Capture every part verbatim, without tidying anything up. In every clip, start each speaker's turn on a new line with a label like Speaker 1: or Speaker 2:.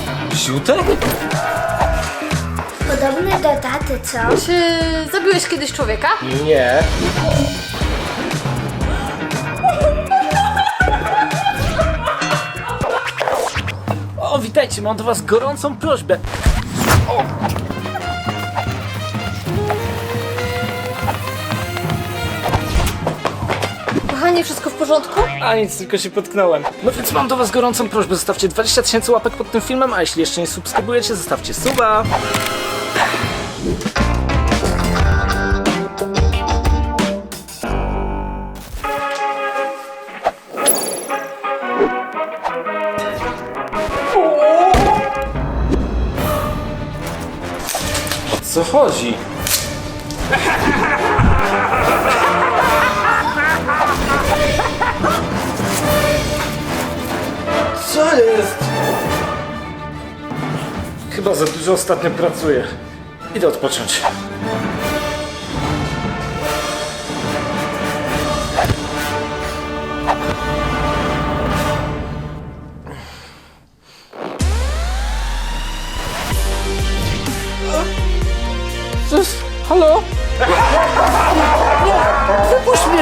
Speaker 1: Ziutek?
Speaker 2: Podobny do taty, co?
Speaker 3: Czy zabiłeś kiedyś człowieka?
Speaker 1: Nie. O, witajcie, mam do was gorącą prośbę. O.
Speaker 3: Kochanie, wszystko w porządku?
Speaker 1: A nic, tylko się potknąłem. No więc mam do was gorącą prośbę, zostawcie dwadzieścia tysięcy łapek pod tym filmem, a jeśli jeszcze nie subskrybujecie, zostawcie suba. O co chodzi? Co jest? Chyba za dużo ostatnio pracuję. Idę odpocząć. Cóż, halo? Nie, wypuść mnie!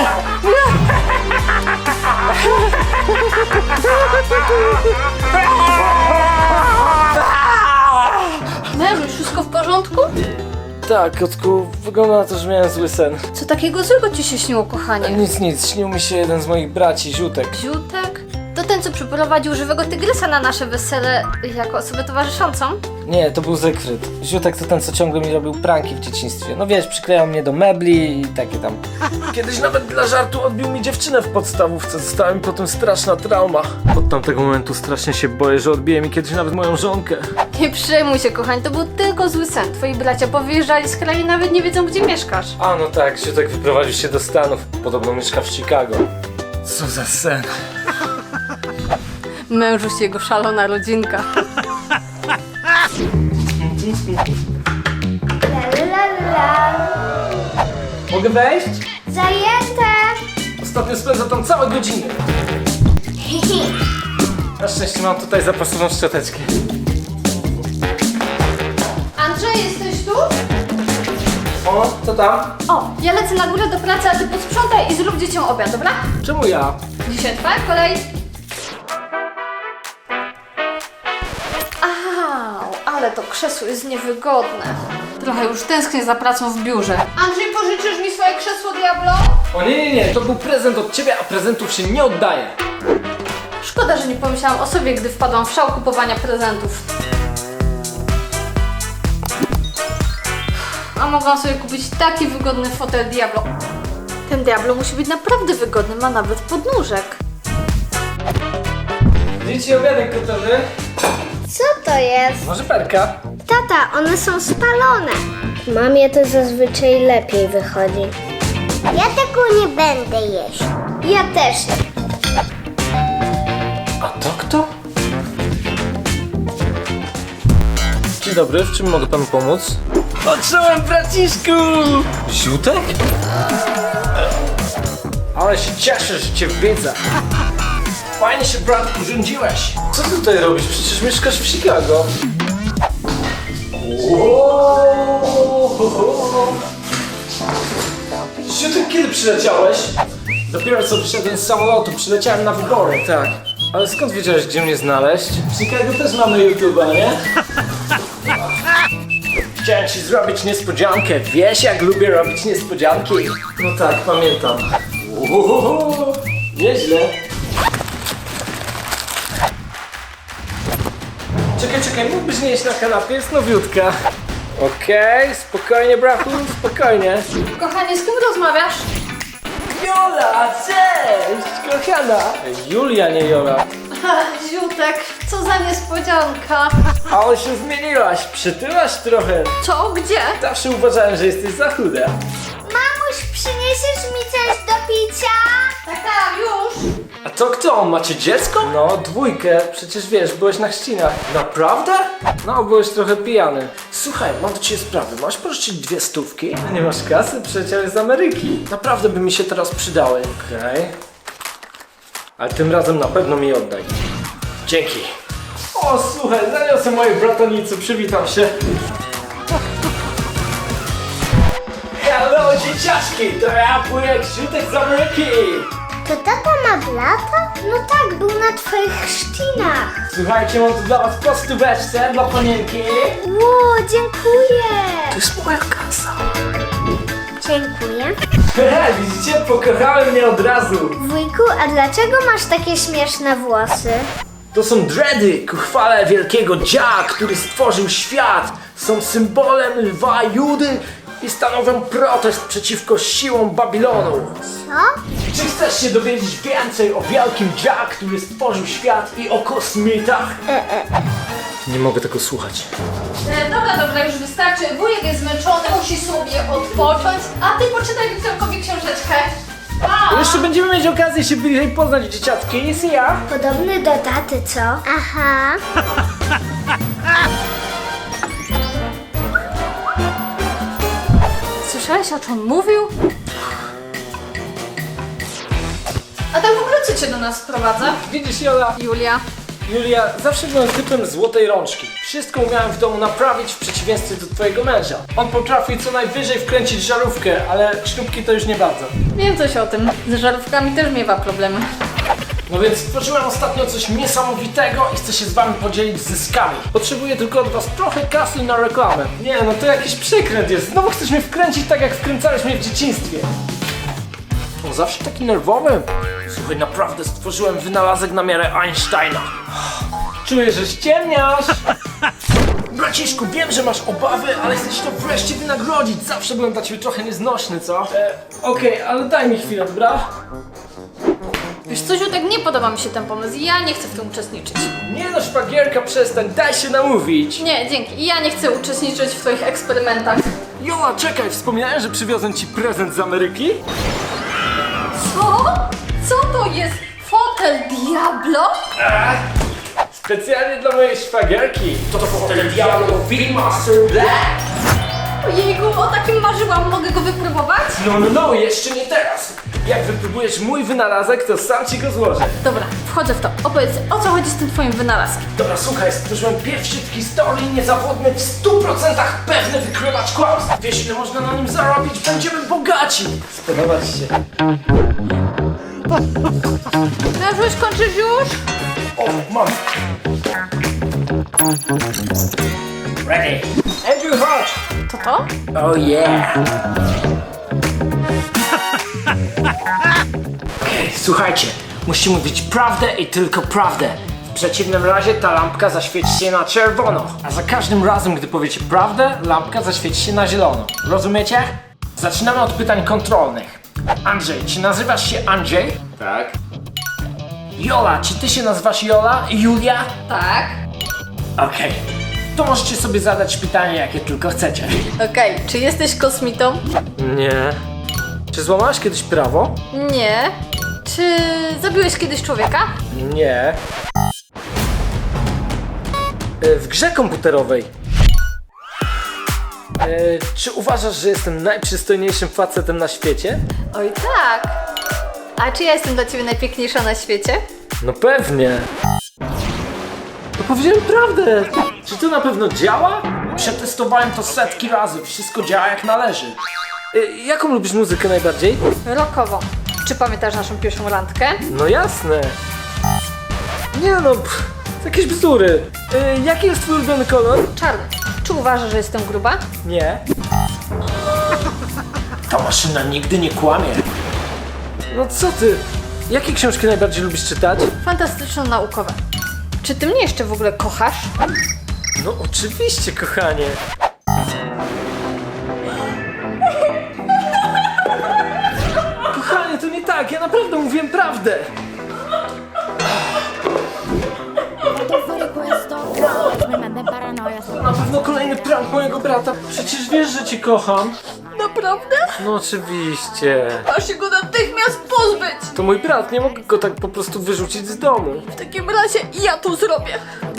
Speaker 3: Mężuś, wszystko w porządku?
Speaker 1: Tak, kotku, wygląda na to, że miałem zły sen.
Speaker 3: Co takiego złego ci się śniło, kochanie?
Speaker 1: Nic, nic, śnił mi się jeden z moich braci, Ziutek.
Speaker 3: Ziutek? To ten, co przyprowadził żywego tygrysa na nasze wesele jako osobę towarzyszącą?
Speaker 1: Nie, to był Zygfryd. Ziutek to ten, co ciągle mi robił pranki w dzieciństwie. No wiesz, przyklejał mnie do mebli i takie tam. Kiedyś nawet dla żartu odbił mi dziewczynę w podstawówce. Została mi potem straszna trauma. Od tamtego momentu strasznie się boję, że odbije mi kiedyś nawet moją żonkę.
Speaker 3: Nie przejmuj się, kochanie, to był tylko zły sen. Twoi bracia powyjeżdżali z kraju i nawet nie wiedzą, gdzie mieszkasz.
Speaker 1: A no tak, Ziutek wyprowadził się do Stanów. Podobno mieszka w Chicago. Co za sen.
Speaker 3: Mężuś jego szalona rodzinka.
Speaker 2: La la la la.
Speaker 1: Mogę wejść?
Speaker 2: Zajęte!
Speaker 1: Ostatnio spędzam tam całe godziny. Na szczęście mam tutaj zapasową szczoteczkę.
Speaker 3: Andrzej, jesteś tu?
Speaker 1: O, co tam?
Speaker 3: O, ja lecę na górę do pracy, a ty posprzątaj i zrób dzieciom obiad, dobra?
Speaker 1: Czemu ja?
Speaker 3: Dzisiaj twoja kolej. Au, ale to krzesło jest niewygodne. Trochę już tęsknię za pracą w biurze. Andrzej, pożyczysz mi swoje krzesło, Diablo?
Speaker 1: O nie, nie, nie, to był prezent od ciebie, a prezentów się nie oddaje.
Speaker 3: Szkoda, że nie pomyślałam o sobie, gdy wpadłam w szał kupowania prezentów. A mogłam sobie kupić taki wygodny fotel Diablo. Ten Diablo musi być naprawdę wygodny, ma nawet podnóżek.
Speaker 1: Dzieci, obiadek gotowy?
Speaker 2: Co to jest?
Speaker 1: Może perka?
Speaker 2: Tata, one są spalone. Mamie to zazwyczaj lepiej wychodzi. Ja tego nie będę jeść. Ja też.
Speaker 1: A to kto? Dzień dobry, w czym mogę panu pomóc? Odczułem, braciszku! Ziutek? Ale się cieszę, że cię widzę. Fajnie się, brat, urządziłeś. Co ty tutaj robisz? Przecież mieszkasz w Chicago. Ziutek, kiedy przyleciałeś? Dopiero co wyszedłem z samolotu, przyleciałem na wybory. Tak. Ale skąd wiedziałeś, gdzie mnie znaleźć? W Chicago też mamy YouTube'a, nie? Chciałem ci zrobić niespodziankę. Wiesz, jak lubię robić niespodzianki? No tak, pamiętam. Uhuhu, nieźle. Czekaj, czekaj, mógłbyś nie jeść na kanapie? Jest nowiutka. Okej, spokojnie, brachu, spokojnie.
Speaker 3: Kochanie, z kim rozmawiasz?
Speaker 1: Jola, cześć, kochana. Julia, nie Jola.
Speaker 3: Ziutek, co za niespodzianka.
Speaker 1: Ale się zmieniłaś, przytyłaś trochę.
Speaker 3: Co? Gdzie?
Speaker 1: Zawsze uważałem, że jesteś za chuda.
Speaker 2: Mamuś, przyniesiesz mi coś do picia?
Speaker 3: Tak, tak, już.
Speaker 1: A to kto? Macie dziecko? No, dwójkę. Przecież wiesz, byłeś na chrzcinach. Naprawdę? No, byłeś trochę pijany. Słuchaj, mam do ciebie sprawę. Masz pożyczyć dwie stówki? Nie masz kasy? Przecież z Ameryki. Naprawdę by mi się teraz przydały. Okej. Okay. Ale tym razem na pewno mi oddaj. Dzięki. O, słuchaj, zaniosę mojej bratanicy, przywitam się. Hello, dzieciaczki, to ja wujek Ziutek z Ameryki.
Speaker 2: To tata ma brata? No tak, był na twoich chrzcinach.
Speaker 1: Słuchajcie, mam tu dla was kostóweczce dla panienki.
Speaker 2: Ło, dziękuję.
Speaker 1: To jest moja kasa.
Speaker 2: Dziękuję.
Speaker 1: Hehe, widzicie, pokochałem mnie od razu.
Speaker 2: Wujku, a dlaczego masz takie śmieszne włosy?
Speaker 1: To są dready ku chwale wielkiego Dzia, który stworzył świat. Są symbolem lwa Judy i stanowią protest przeciwko siłom Babilonu.
Speaker 2: Co?
Speaker 1: Czy chcesz się dowiedzieć więcej o wielkim Dzia, który stworzył świat i o kosmitach?
Speaker 2: E, e.
Speaker 1: Nie mogę tego słuchać.
Speaker 3: E, dobra, dobra, już wystarczy. Wujek jest zmęczony, musi sobie odpocząć. A ty poczytaj Wiktorkowi książeczkę. Pa!
Speaker 1: Jeszcze będziemy mieć okazję się bliżej poznać, dzieciaczki. See ya!
Speaker 2: Podobny do taty, co? Aha.
Speaker 3: Słyszałeś, o czym mówił? A tak w ogóle co cię do nas sprowadza?
Speaker 1: Widzisz, Jola?
Speaker 3: Julia.
Speaker 1: Julia, zawsze byłem typem złotej rączki. Wszystko umiałem w domu naprawić w przeciwieństwie do twojego męża. On potrafi co najwyżej wkręcić żarówkę, ale śrubki to już nie bardzo.
Speaker 3: Wiem coś o tym. Z żarówkami też miewa problemy.
Speaker 1: No więc stworzyłem ostatnio coś niesamowitego i chcę się z wami podzielić zyskami. Potrzebuję tylko od was trochę kasy na reklamę. Nie, no to jakiś przekręt jest. Znowu chcesz mnie wkręcić tak, jak wkręcałeś mnie w dzieciństwie. On zawsze taki nerwowy. Słuchaj, naprawdę stworzyłem wynalazek na miarę Einsteina. Czuję, że ściemniasz. Braciszku, wiem, że masz obawy, ale chcesz to wreszcie wynagrodzić. Zawsze byłem dla ciebie trochę nieznośny, co? E, Okej, okay, ale daj mi chwilę, dobra?
Speaker 3: Wiesz co, Ziutek, nie podoba mi się ten pomysł i ja nie chcę w tym uczestniczyć.
Speaker 1: Nie no, szpagierka, przestań, daj się namówić.
Speaker 3: Nie, dzięki. Ja nie chcę uczestniczyć w twoich eksperymentach.
Speaker 1: Jola, czekaj, wspomniałem, że przywiozłem ci prezent z Ameryki?
Speaker 3: Co? Co to jest? Fotel Diablo?
Speaker 1: Specjalnie dla mojej szwagierki. To fotel Diablo V-Master Black.
Speaker 3: Ojejku, o takim marzyłam. Mogę go wypróbować?
Speaker 1: No, no, no, jeszcze nie teraz. Jak wypróbujesz mój wynalazek, to sam ci go złożę.
Speaker 3: Dobra, wchodzę w to. Opowiedz, o co chodzi z tym twoim wynalazkiem?
Speaker 1: Dobra, słuchaj, stworzyłem pierwszy w historii niezawodny, w stu procentach pewny wykrywacz kłamstw. Wiesz, ile można na nim zarobić? Będziemy bogaci. Spodoba ci się.
Speaker 3: Mężuś, kończysz już?
Speaker 1: O, mam. Ready. Andrew, chodź.
Speaker 3: To to?
Speaker 1: Oh yeah! Okej, słuchajcie, musicie mówić prawdę i tylko prawdę. W przeciwnym razie ta lampka zaświeci się na czerwono. A za każdym razem, gdy powiecie prawdę, lampka zaświeci się na zielono. Rozumiecie? Zaczynamy od pytań kontrolnych. Andrzej, czy nazywasz się Andrzej?
Speaker 4: Tak?
Speaker 1: Jola, czy ty się nazywasz Jola? Julia?
Speaker 3: Tak.
Speaker 1: Okej. To możecie sobie zadać pytanie, jakie tylko chcecie.
Speaker 3: Okej, czy jesteś kosmitą?
Speaker 1: Nie. Czy złamałaś kiedyś prawo?
Speaker 3: Nie. Czy zabiłeś kiedyś człowieka?
Speaker 1: Nie. E, W grze komputerowej. E, czy uważasz, że jestem najprzystojniejszym facetem na świecie?
Speaker 3: Oj tak. A czy ja jestem dla ciebie najpiękniejsza na świecie?
Speaker 1: No pewnie. To powiedziałem prawdę. Czy to na pewno działa? Przetestowałem to setki razy. Wszystko działa jak należy. E, jaką lubisz muzykę najbardziej?
Speaker 3: Rockową. Czy pamiętasz naszą pierwszą randkę?
Speaker 1: No jasne. Nie no, pff, to jakieś bzdury. E, jaki jest twój ulubiony kolor?
Speaker 3: Czarny. Czy uważasz, że jestem gruba?
Speaker 1: Nie. Ta maszyna nigdy nie kłamie. No co ty? Jakie książki najbardziej lubisz czytać?
Speaker 3: Fantastyczno-naukowe. Czy ty mnie jeszcze w ogóle kochasz?
Speaker 1: No oczywiście, kochanie. Kochanie, to nie tak, ja naprawdę mówiłem prawdę. To na pewno kolejny prank mojego brata. Przecież wiesz, że cię kocham.
Speaker 3: Naprawdę?
Speaker 1: No oczywiście.
Speaker 3: Masz się go natychmiast pozbyć!
Speaker 1: To mój brat, nie mogę go tak po prostu wyrzucić z domu.
Speaker 3: W takim razie ja to zrobię.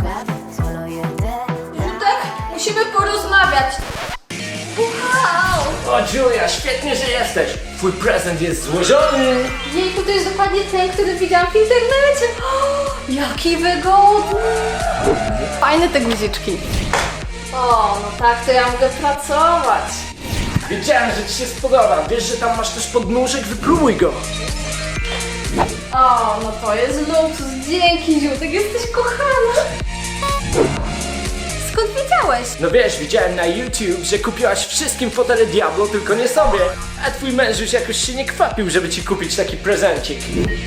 Speaker 3: Jutek, musimy porozmawiać. Wow!
Speaker 1: O Julia, świetnie, że jesteś. Twój prezent jest złożony.
Speaker 3: Jejku, to jest dokładnie ten, który widziałam w internecie. O, jaki wygodny! fajne te guziczki. O, no tak, to ja mogę pracować.
Speaker 1: Wiedziałem, że ci się spodoba. Wiesz, że tam masz też podnóżek? Wypróbuj go.
Speaker 3: O, no to jest luksus. Dzięki, Ziutek, jesteś kochana. Skąd wiedziałeś?
Speaker 1: No wiesz, widziałem na YouTube, że kupiłaś wszystkim fotele Diablo, tylko nie sobie. A twój męż już jakoś się nie kwapił, żeby ci kupić taki prezencik.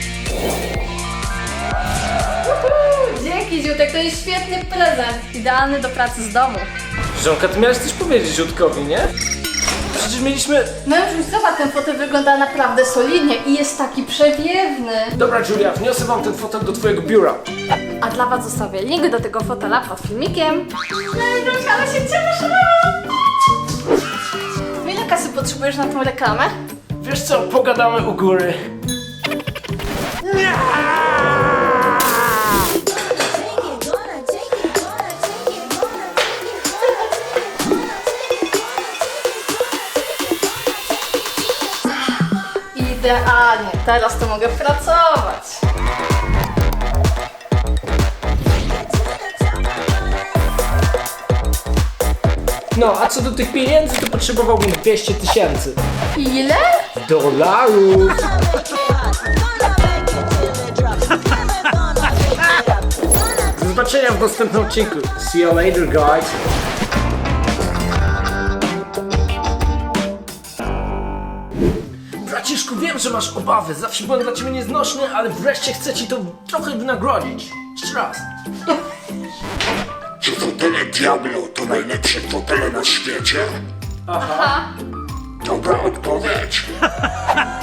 Speaker 3: Uhu, dzięki, Ziutek, to jest świetny prezent. Idealny do pracy z domu.
Speaker 1: Żonka, ty miałeś coś powiedzieć Ziutkowi, nie? Przecież mieliśmy...
Speaker 3: Mężuś, zobacz, ten fotel wygląda naprawdę solidnie i jest taki przewiewny.
Speaker 1: Dobra, Julia, wniosę wam ten fotel do twojego biura.
Speaker 3: A dla was zostawię link do tego fotela pod filmikiem. Mężuś, ale się cieszę. Ile kasy potrzebujesz na tą reklamę?
Speaker 1: Wiesz co, pogadamy u góry.
Speaker 3: Idealnie, teraz to mogę pracować.
Speaker 1: No, a co do tych pieniędzy, to potrzebowałbym dwieście tysięcy
Speaker 3: Ile?
Speaker 1: dolarów. Do zobaczenia w następnym odcinku. See you later, guys. Braciszku, wiem, że masz obawy. Zawsze byłem dla ciebie nieznośny, ale wreszcie chcę ci to trochę wynagrodzić. Jeszcze raz.
Speaker 4: Czy fotele Diablo to najlepsze fotele na świecie?
Speaker 3: Aha.
Speaker 4: Dobra odpowiedź.